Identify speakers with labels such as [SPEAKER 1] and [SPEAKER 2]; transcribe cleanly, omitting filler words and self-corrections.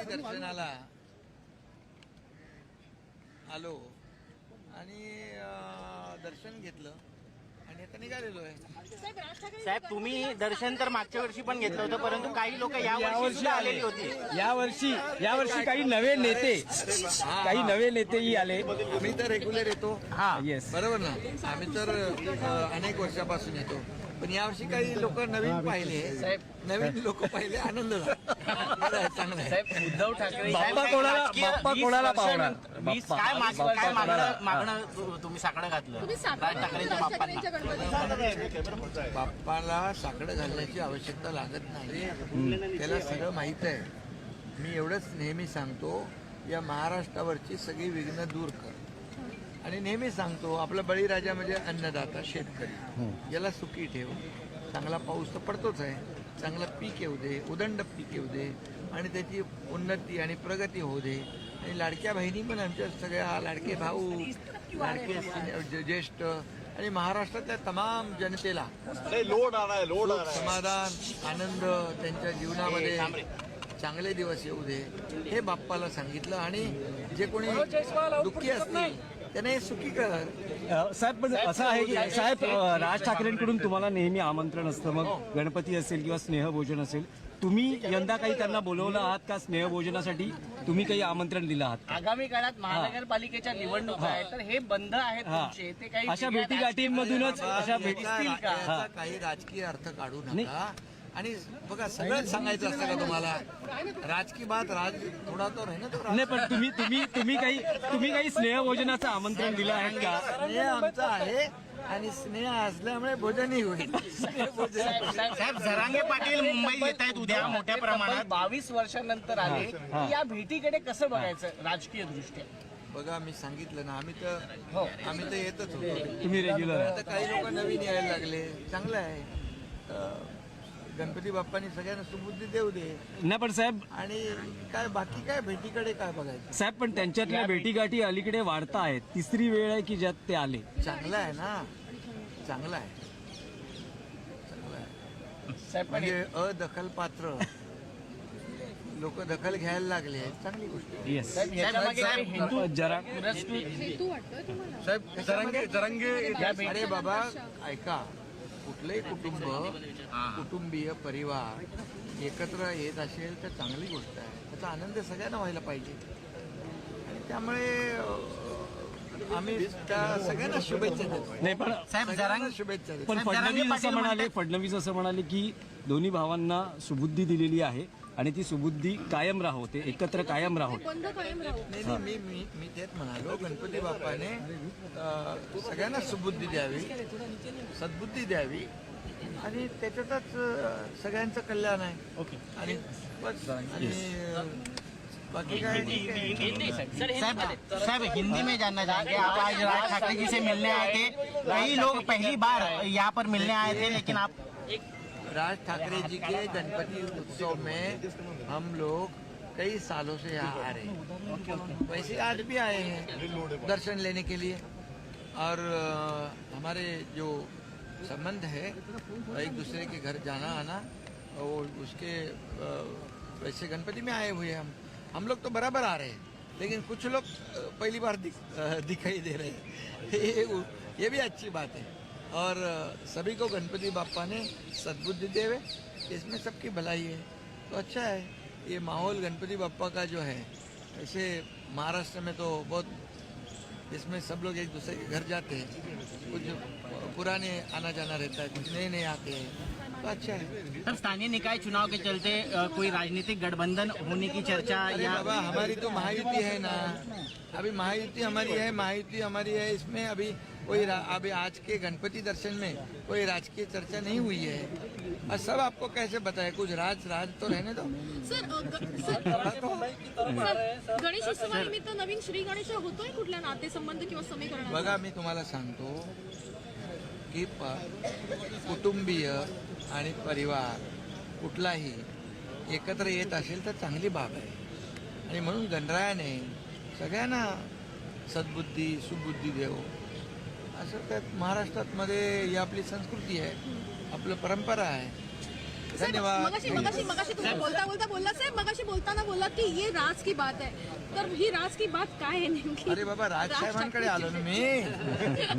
[SPEAKER 1] दर्शनाला आलो आणि दर्शन घेतलं आणि आता निघालेलो आहे.
[SPEAKER 2] साहेब तुम्ही दर्शन तर मागच्या वर्षी पण घेतलं होतं, परंतु काही लोक यावर्षी आलेली होती.
[SPEAKER 3] यावर्षी काही नवे नेतेही आले.
[SPEAKER 1] आम्ही तर रेग्युलर येतो.
[SPEAKER 2] हा
[SPEAKER 3] येस,
[SPEAKER 1] बरोबर ना. आम्ही तर अनेक वर्षापासून येतो, पण यावर्षी काही लोक नवीन पाहिले, नवीन लोक पाहिले, आनंद झाला. चांगलं आहे.
[SPEAKER 2] साहेब उद्धव ठाकरे
[SPEAKER 3] बाप्पा कोणाला पावणार?
[SPEAKER 2] काय मागणं तुम्ही साकडं घातलं राज ठाकरेंच्या बाप्पांना?
[SPEAKER 1] बाप्पाला साकडं घालण्याची आवश्यकता लागत नाही, त्याला सगळं माहीत आहे. मी एवढंच नेहमी सांगतो, या महाराष्ट्रावरची सगळी विघ्न दूर कर. आणि नेहमी सांगतो, आपला बळीराजा म्हणजे अन्नदाता शेतकरी, याला सुखी ठेव. चांगला पाऊस तर पडतोच आहे, चांगलं पीक येऊ दे, उदंड पीक येऊ दे आणि त्याची उन्नती आणि प्रगती होऊ दे. आणि लाडक्या बहिणी पण आमच्या सगळ्या, लाडके भाऊ, लाडके ज्येष्ठ आणि महाराष्ट्रातल्या तमाम जनतेला सुख, समाधान, आनंद त्यांच्या जीवनामध्ये चांगले दिवस येऊ दे, हे बाप्पाला सांगितलं. आणि जे कोणी दुःखी असतील त्यांना हे सुखी कर.
[SPEAKER 3] साहेब, पण असं आहे की साहेब, राज ठाकरेंकडून तुम्हाला नेहमी आमंत्रण असतं, मग गणपती असेल किंवा स्नेहभोजन असेल, तुम्ही यंदा काही त्यांना बोलवलं आहात का स्नेहभोजनासाठी? तुम्ही काही आमंत्रण दिलं आहात?
[SPEAKER 2] आगामी काळात महानगरपालिकेच्या निवडणुका आहेत, तर हे बंद आहेत तुमचे, ते काही
[SPEAKER 3] अशा भेटीगाठींमधूनच अशा भेटतील का?
[SPEAKER 1] याचा काही राजकीय अर्थ काढू नका. आणि बघा, सगळंच सांगायचं असतं का तुम्हाला? राजकीय बात थोडा तो आहे ना तो.
[SPEAKER 3] नाही, पण तुम्ही काही स्नेहभोजनाचं आमंत्रण दिलं आहे का?
[SPEAKER 1] स्नेह आमचा आहे आणि स्नेह असल्यामुळे भोजनही होईल.
[SPEAKER 2] साहेब जरांगे पाटील मुंबईत येत आहेत उद्या मोठ्या प्रमाणात, 22 वर्षांनंतर आले, या भेटीकडे कसं बघायचं राजकीय दृष्ट्या?
[SPEAKER 1] बघा, मी सांगितलं ना, आम्ही तर येतच होतो.
[SPEAKER 3] तुम्ही रेग्युलर
[SPEAKER 1] आता काही लोक नवीन यायला लागले, चांगलं आहे. गणपती बाप्पानी सगळ्यांना सुबुद्धी देऊ दे.
[SPEAKER 3] नाही पण साहेब,
[SPEAKER 1] आणि काय बाकी काय भेटीकडे काय बघायचं?
[SPEAKER 3] साहेब पण त्यांच्यातल्या भेटीगाठी अलीकडे वाढता आहेत. तिसरी वेळ आहे की ज्यात ते आले.
[SPEAKER 1] चांगलं आहे ना, चांगलं आहे.
[SPEAKER 2] साहेब
[SPEAKER 1] म्हणजे अदखलपात्र लोक दखल घ्यायला लागले, चांगली गोष्ट आहे.
[SPEAKER 3] येस,
[SPEAKER 2] जरा
[SPEAKER 1] साहेब, अरे बाबा ऐका, कुठलंही कुटुंबीय परिवार एकत्र येत असेल तर चांगली गोष्ट आहे, त्याचा आनंद सगळ्यांना व्हायला पाहिजे. आणि त्यामुळे आम्ही त्या सगळ्यांना शुभेच्छा देतो.
[SPEAKER 3] नाही पण
[SPEAKER 2] साहेब जरांगे
[SPEAKER 1] शुभेच्छा देतो.
[SPEAKER 3] पण फडणवीस असं म्हणाले की दोन्ही भावांना सुबुद्धी दिलेली आहे आणि ती सुबुद्धी कायम राहोते, एकत्र कायम राहोते.
[SPEAKER 1] नाही, मी तेच म्हणालो, गणपती बाप्पाने सगळ्यांना सुबुद्धी द्यावी, सद्बुद्धी द्यावी आणि त्याच्यातच सगळ्यांचं कल्याण आहे.
[SPEAKER 2] ओके.
[SPEAKER 1] आणि बस. आणि बाकी काय
[SPEAKER 2] साहब हिंदी में जानना चाहेंगे, आप आज राज ठाकरे जी से मिलने आए थे, कई लोग पहली बार यहाँ पर मिलने आए थे, लेकिन आप
[SPEAKER 1] राज ठाकरे जी के गणपति उत्सव में हम लोग कई सालों से यहाँ आ रहे हैं, वैसे आज भी आए हैं दर्शन लेने के लिए. और हमारे जो संबंध है एक दूसरे के घर जाना आना, और उसके वैसे गणपति में आए हुए हम लोग तो बराबर आ रहे हैं, लेकिन कुछ लोग पहली बार दिखाई दे रहे हैं. ये भी अच्छी बात है. और सभी को गणपति बाप्पा ने सद्बुद्धि देवे, इसमें सबकी भलाई है, तो अच्छा है. ये माहौल गणपति बाप्पा का जो है, ऐसे महाराष्ट्र में तो बहुत, इसमें सब लोग एक दूसरे के घर जाते हैं, कुछ पुराने आना जाना रहता है, कुछ नए आते हैं, तो अच्छा है.
[SPEAKER 2] सर स्थानीय निकाय चुनाव के चलते कोई राजनीतिक गठबंधन होने की चर्चा?
[SPEAKER 1] या बाबा, हमारी तो महायुति है ना, अभी महायुति हमारी है, इसमें अभी कोई अभी आज के गणपति दर्शन में कोई राजकीय चर्चा नहीं हुई है. और सब आपको कैसे बताए, कुछ राज तो रहने दो.
[SPEAKER 4] सर गणेश उत्सवानिमित्त नवीन श्री गणेश होतोय, कुठल्या नातेसंबंध किंवा समीकरण?
[SPEAKER 1] बघा, मी तुम्हाला सांगतो की कुटुंबीय आणि परिवार कुठलाही एकत्र येत असेल तर चांगली बाब आहे. आणि म्हणून गणरायाने सगळ्यांना सद्बुद्धी सुबुद्धी देव, असं त्यात महाराष्ट्रात मध्ये ही आपली संस्कृती आहे, आपलं परंपरा आहे. धन्यवाद.
[SPEAKER 4] मगाशी तुम्ही बोलता बोलला साहेब, मगाशी बोलताना बोलला की ये राज की बात आहे. तर ही राज की बात काय आहे नेमकी?
[SPEAKER 1] अरे बाबा राजसाहेबांकडे आलो ना मी.